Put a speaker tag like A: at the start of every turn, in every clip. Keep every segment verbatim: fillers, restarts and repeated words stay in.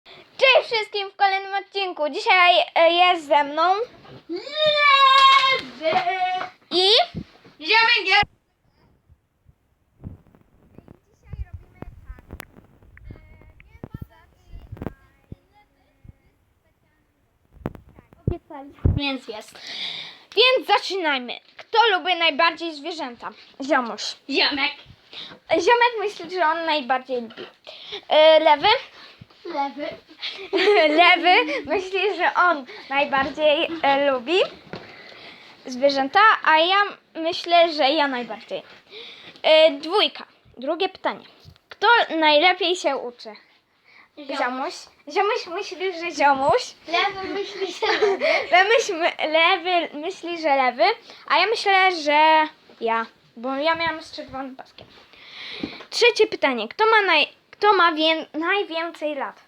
A: Cześć wszystkim w kolejnym odcinku. Dzisiaj e, jest ze mną
B: Lewy
A: i
B: Ziomek.
A: dzisiaj robimy tak. Obiecaliśmy.
B: Więc jest.
A: Więc zaczynajmy. Kto lubi najbardziej zwierzęta? Ziomuś.
B: Ziomek.
A: Ziomek myśli, że on najbardziej lubi. E, lewy?
B: Lewy.
A: Lewy myśli, że on najbardziej e, lubi zwierzęta, a ja myślę, że ja najbardziej. E, dwójka. Drugie pytanie. Kto najlepiej się uczy? Ziomuś. Ziomuś myśli, że ziomuś.
B: Lewy myśli, że lewy.
A: Lewy, myśl- lewy myśli, że lewy, a ja myślę, że ja, bo ja miałam z czerwonym paskiem. Trzecie pytanie. Kto ma, naj, kto ma wię, najwięcej lat?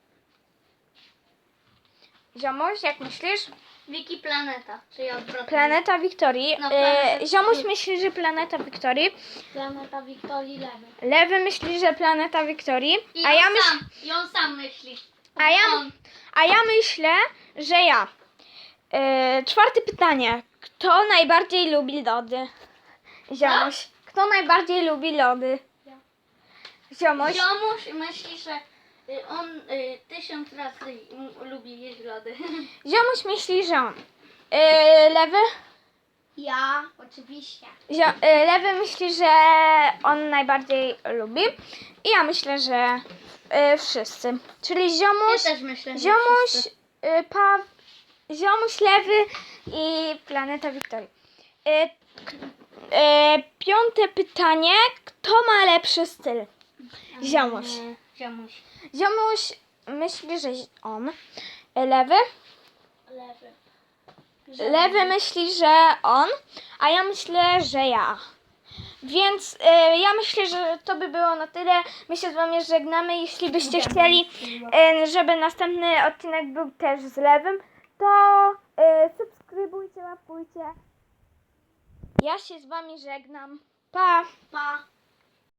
A: Ziomuś, jak myślisz?
B: Wiki Planeta, czyli odwrotnie.
A: Planeta Wiktorii.
B: No,
A: E,
B: planeta-
A: Ziomuś myśli, że planeta Wiktorii.
B: Planeta Wiktorii Lewy.
A: Lewy myśli, że planeta Wiktorii.
B: I
A: A
B: on
A: ja, myśl,
B: sam, I on sam myśli.
A: a ja,
B: On.
A: a ja myślę, że ja. E, czwarte pytanie. Kto najbardziej lubi lody? Ziomuś. Kto najbardziej lubi lody?
B: Ja.
A: Ziomuś.
B: Ziomuś myśli, że y, on y, tysiąc razy m- lubi jeść lody.
A: Ziomuś myśli, że on. E, lewy?
B: Ja, oczywiście.
A: Zio, e, lewy myśli, że on najbardziej lubi. I ja myślę, że e, wszyscy. Czyli ziomuś,
B: Ja też myślę, że
A: ziomuś,
B: wszyscy.
A: e, pa, ziomuś, lewy i planeta Wiktorii. E, k- e, piąte pytanie. Kto ma lepszy styl? Ziomuś.
B: Mm, Ziomuś.
A: Ziomuś myśli, że on. E, lewy?
B: Lewy.
A: Lewy myśli, że on, a ja myślę, że ja. Więc e, ja myślę, że to by było na tyle. My się z wami żegnamy. Jeśli byście chcieli, e, żeby następny odcinek był też z lewym, to e, subskrybujcie, łapujcie. Ja się z wami żegnam. Pa!
B: Pa.